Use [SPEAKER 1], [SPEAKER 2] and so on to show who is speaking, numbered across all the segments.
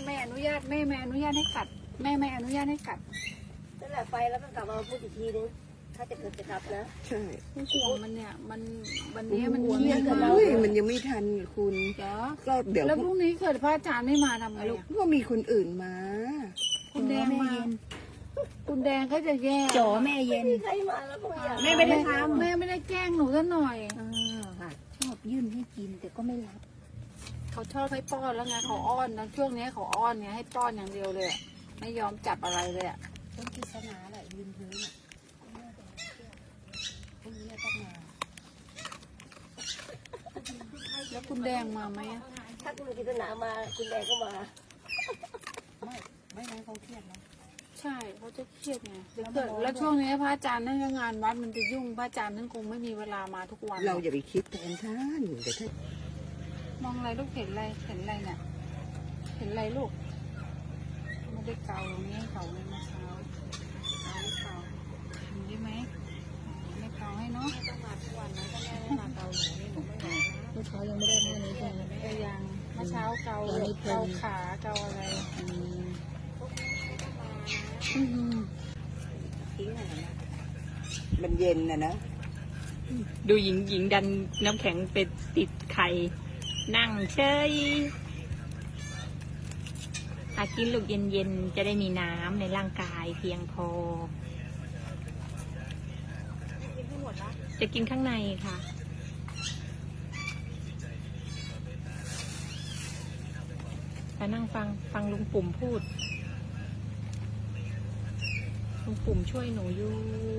[SPEAKER 1] ไม่อนุญาตแม่ไม่อนุญาตให้กัดแม่ไม่อนุญาตให้กัด
[SPEAKER 2] นั่นแหละไปแล้วก็กลับมาพูดอีกทีนึงถ้าจะเกิดจะกลับนะ
[SPEAKER 3] ใช่
[SPEAKER 1] ห่วงมันเนี่ยมันวันนี้มัน
[SPEAKER 2] ห่วง
[SPEAKER 1] เครียด
[SPEAKER 2] กับ
[SPEAKER 1] มา
[SPEAKER 2] เรา
[SPEAKER 1] ก
[SPEAKER 3] เฮ้ยมันยังไม่ทันคุณ
[SPEAKER 1] เดี๋ยว
[SPEAKER 3] ก็เดี๋ยว
[SPEAKER 1] แล้วพรุ่งนี้เกิดพระอาจารย์ไม่มาทำไง
[SPEAKER 3] ลูก
[SPEAKER 1] อะ
[SPEAKER 3] ก็มีคนอื่นมา
[SPEAKER 1] คุณแดงมาคุณแดงก็จะแย่
[SPEAKER 4] จ๋อแม่เย็น
[SPEAKER 2] ใครมาแล้วก็ไม่อยาก
[SPEAKER 4] แม่ไม่ได้ทำ
[SPEAKER 1] แม่ไม่ได้แกล้งหนูซะหน่อย
[SPEAKER 4] ค่ะชอบยื่นให้กินแต่ก็ไม่รับ
[SPEAKER 1] เขาชอบให้ป้อนแล้วไงเขาอ้อนนะช่วงนี้เขาอ้อนไงให้ป้อนอย่างเดียวเลยอะไม่ยอมจับอะไรเลยอะ
[SPEAKER 4] ต้นกิษณาแหละยืนพื้นอ่ะพรุ่งนี้ต้องมา
[SPEAKER 1] แล้วคุณแดงมาไหมอะ
[SPEAKER 2] ถ้าคุณกิตนามาคุณแดงก็มา
[SPEAKER 4] ไม่งั้นเขาเครียดนะ
[SPEAKER 1] ใช่เขาจะเครียดไงแล้วช่วงนี้พระอาจารย์นั่นก็งานวัดมันจะยุ่งพระอาจารย์นั่นคงไม่มีเวลามาทุกวัน
[SPEAKER 3] เราอย่าไปคิดแทนท่านเดี๋ยวท่าน
[SPEAKER 1] มองอะไรลูกเห็นอะไรเห็นอะไรเนี่ยเห็นอะไรลูกไม่ได้เกาตรงนี้ให้เขาเลยเมื่อเช้าเอาให้เกาเห็นได้ไหมไม่เกาให้เนาะไม่ต้องมาทุกวันนะถ้าแม่ไม่มาเกาหนูนี่หนูไม่ไหวนะ
[SPEAKER 4] เมื่อเช้ายังไม่ได้แม่นี้ใช่ไหม
[SPEAKER 1] ก็ยังเมื่อเช้าเกาขาเกาอะไรอืม
[SPEAKER 3] มันเย็นนะนะ
[SPEAKER 5] ดูหญิงดันน้ำแข็งไปติดไข่นั่งเฉยอากินลูกเย็นๆจะได้มีน้ำในร่างกายเพียงพอ จะกินข้างในค่ะมานั่งฟังลุงปุ่มพูดลุงปุ่มช่วยหนูอยู่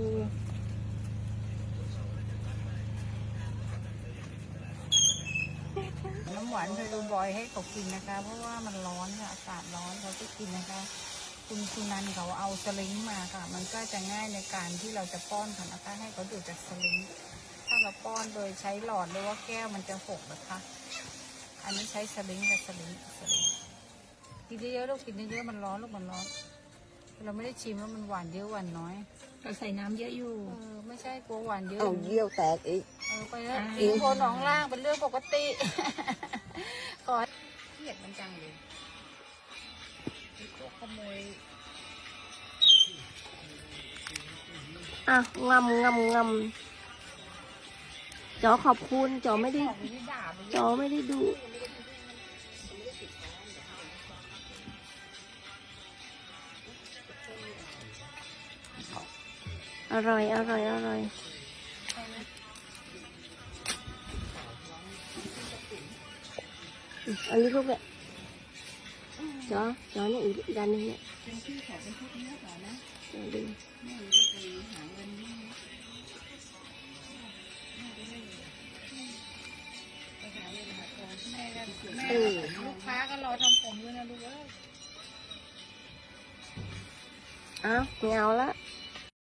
[SPEAKER 1] น้ำหวานไพรูบอยให้เขากินนะคะ เพราะว่ามันร้อนค่ะอากาศร้อนเขาจะกินนะคะ คุณสุนันท์เขาเอาสลิงมาค่ะ มันก็จะง่ายในการที่เราจะป้อนค่ะนะคะให้เขาดูดจากสลิงถ้าเราป้อนโดยใช้หลอดหรือว่าแก้วมันจะหกนะคะ อันนี้ใช้สลิงกับสลิงกินเยอะๆลูกกินเยอะๆมันร้อนลูกมันร้อนเราไม่ได้ชิมว่ามันหวานเยอะหวานน้อย
[SPEAKER 5] เราใส่น้ำเยอะอยู่
[SPEAKER 1] ไม่ใช่กลัวหวานเยอะ
[SPEAKER 3] เอาเยี่ยวแตกอีก
[SPEAKER 1] ไปแล้วอิงโคนหนองล่างเป็นเรื่องปกติขอเครียดมันจังเลยพวกขโมย
[SPEAKER 2] อ่ะงำจอขอบคุณจอไม่ได้
[SPEAKER 1] ของนี่ด่าไป
[SPEAKER 2] จอไม่ได้ดู อร่อยอันนี้ลูกเนี่ยจอเนี่ยอีกด้านนึงเนี่ยดู
[SPEAKER 1] แม่ลูกค้าก็รอทำผมด้วยนะลูกเอ้ย
[SPEAKER 2] อ้าวไม่เอาละ
[SPEAKER 1] เ